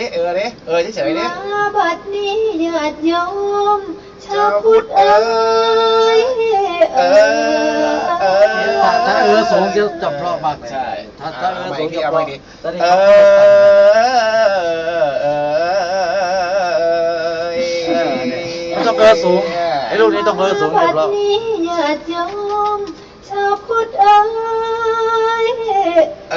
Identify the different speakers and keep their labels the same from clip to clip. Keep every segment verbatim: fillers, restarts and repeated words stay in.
Speaker 1: เออดิเออเฉยๆดิ
Speaker 2: มาบัดนี้ญาติโยมชาวพุทธเอ๋ยเออเออ
Speaker 3: ถ้าเออสูงจะจับเพราะมากเลย
Speaker 1: ใช่
Speaker 3: ถ้าถ้าเออสูงจะเพราะตอนนี้
Speaker 1: เอ
Speaker 3: เขา
Speaker 1: อเออ
Speaker 3: ต้องเออสูงไอ้ลูกนี้ต้องเออสูง
Speaker 2: บั
Speaker 3: จะ
Speaker 2: ด
Speaker 3: เพราะ
Speaker 2: นี้ญาติโยมชาวพุทธเอ๋ย
Speaker 1: เอ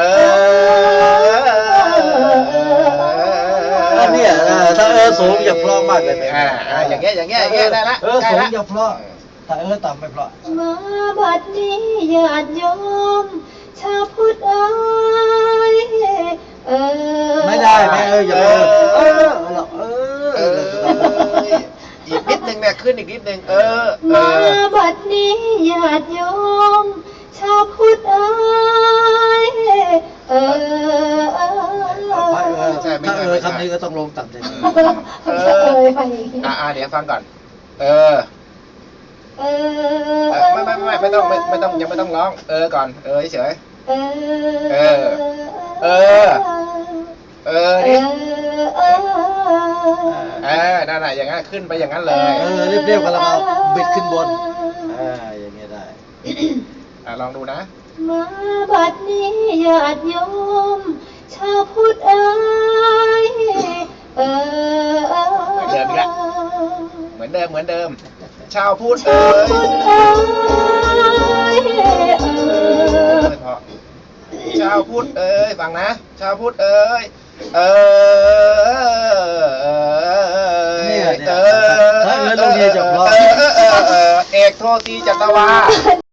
Speaker 1: อ
Speaker 3: เนี่ยถ้าเออสูงจะเพราะมากเลย
Speaker 1: อ่าอ่าอย่างเงี้ยอย่างเงี้ยอย่างเงี้ยได้ละ
Speaker 3: เออ
Speaker 1: ได้
Speaker 3: สูง
Speaker 1: ละ
Speaker 3: จะเพราะถ้าเออต่ำไม่เพราะ
Speaker 2: มาบัดนี้ญาติโยมชาวพุทธเอ๋ยเออ
Speaker 3: ไม่ได้ไม่เอออย่าเออเออเออ
Speaker 1: เอออีกนิดนึงเนี่ยขึ้นอีกนิดนึงเออเอ
Speaker 2: มา
Speaker 1: อ
Speaker 2: บัดนี้ญาติโยมชาวพุทธเอ๋ยเออเออ
Speaker 1: ใช่ไม่
Speaker 3: ถ้า
Speaker 1: ใช่
Speaker 3: เอ
Speaker 1: ไม่
Speaker 3: อ
Speaker 1: ใช่
Speaker 3: คำนี้ก็ต้องลงต่ำเลย
Speaker 2: เออไปอย่างงี้
Speaker 1: อ่าอ่าเดี๋ยวฟังก่อน เออ
Speaker 2: เอ
Speaker 1: เอ
Speaker 2: อ
Speaker 1: อไม่ไม่ไม่ไม่ต้องไม่ไม่ต้องยังไม่ต้องร้อง เออก่อน เออเฉย
Speaker 2: เออ
Speaker 1: เออเออเออ
Speaker 2: เอ
Speaker 1: ดิ
Speaker 2: อเออ
Speaker 1: เออนั่นน่ะอย่างนั้นขึ้นไปอย่างนั้นเลย
Speaker 3: เออเรียบๆกันแล้วเอาบิดขึ้นบนอ่าอย่างเงี้ยได้
Speaker 1: อ่าลองดูนะ
Speaker 2: มาบัดนี้ญาติโยมชาวพุทธเอ๋ยเออเออ
Speaker 1: เดิมอีกแล้ว เหมือนเดิมเหมือนเดิม ชาวพุทธเอ้
Speaker 2: ชาวย พุทธเอ๋ยเออ
Speaker 1: ไม่พอชาวพุทธเอ้ยฟังนะ ชาวพุทธเอ้ยเออ
Speaker 3: เนี่ยเนี่ย
Speaker 1: เออ
Speaker 3: ถ้าเออลงเนี่ยจะเพราะ
Speaker 1: เออเออเออเอกโทตีจัตวา